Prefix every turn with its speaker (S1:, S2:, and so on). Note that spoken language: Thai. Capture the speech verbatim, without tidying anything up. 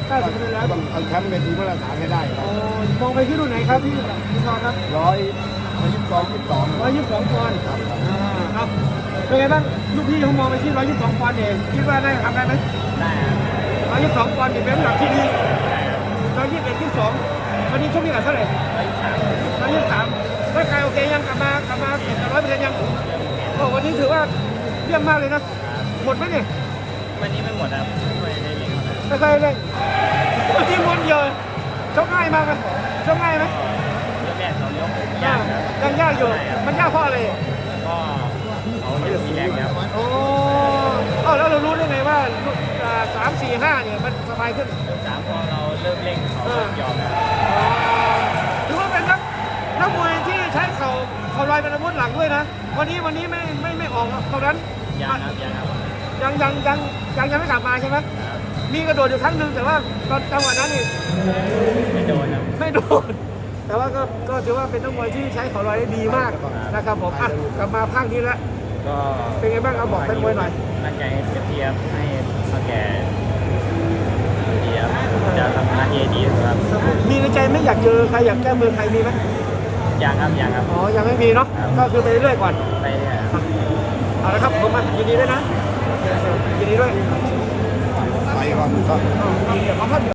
S1: เก้าสิบเปอร์เซ็นต์แล้ว
S2: ต้องเอาแชมป์เป็นทีมาตรฐานให้ได้ครับ
S1: โอ้มองไปที่รุ่นไหนครับพี่พี่นอนครับ
S2: ร้อยร้อยยี่สิบสองยี่สิบสอง
S1: ร้อยยี่สิบสองปอนด์
S2: ครับ
S1: อ่าครับเป็นไงบ้างลูกพี่เขามองไปที่ร้อยยี่สิบสองปอนด์เองคิดว่าได้ทำได้ไหม
S3: ได้ครับ
S1: ร้อยยี่สิบสองปอนด์เป็นน้ำหนักที่ดีร้อยยี่สิบเอ็ดยี่สิบสองวันนี้ชกนี่กันเท่าไหร่ร้อยยี่สิบสามร่างกายโอเคยังกลับมากลับมาเก็บร้อยเปอร์เซ็นต์ยังโอ้วันนี้ถือว่าเยี่ยมมากเลยนะหมดไหมเนี่ย
S3: วันนี้ไม่หมดครับไม่ได้เล่นครับ
S1: ไม่เคยเล่นวันนี้ม้วนเดียวชกง่ายมากไหมชกง่ายไหม
S3: ยกแรกสองยกยากครับ
S1: ยังยากอยู่มันยากเพราะอะไร
S3: ก็เขาเยอะมีแรงครับ
S1: โอ้เอ้าแล้วเรารู้ได้ไงว่าอ่าสามสี่ห้าเนี่ยมันสบายขึ้น
S3: สามพอเราเริ่มเร่งเขาก็ยอมครับ
S1: ถือว่าเป็นนักนักมวยที่ใช้เข่าเข่าลอยเป็นอาวุธหลักด้วยนะ วันนี้วันนี้ไม่ไม่ไม่ออกเท่านั้น
S3: ยังครับยังครับ
S1: ยังยังยังยังยังไม่กลับมาใช่ไหมมีกระโดดอยู่ครั้งหนึ่งแต่ว่าตอนจังหวะนั้นนี่
S3: ไม่โดนครับ
S1: ไม่โดนแต่ว่าก็ก็ถือว่าเป็นนักมวยที่ใช้เข่าลอยได้ดีมากนะครับผมอ่ะกลับมาภาคนี้แล้ว
S3: ก็
S1: เป็นไงบ้างเอาบอกเป็นมวยหน่อย
S3: ตั้งใจเต็มที่ครับให้เขาแก่ดีครับจะทำหน้าที่ดีครับ
S1: มีในใจไหม่อยากเจอใครอยากแก้มือใครมีไหม
S3: ยังครับยังครับ
S1: อ๋อยังไม่มีเนาะก็คือไปเรื่อยๆก่อน
S3: ไปเรื่อยครับ
S1: เอาละครับผมมายินดีด้วยนะยินดีด้วย
S2: ไปก่อนครับ
S1: เอาเอาเดี๋ยวเอาครับ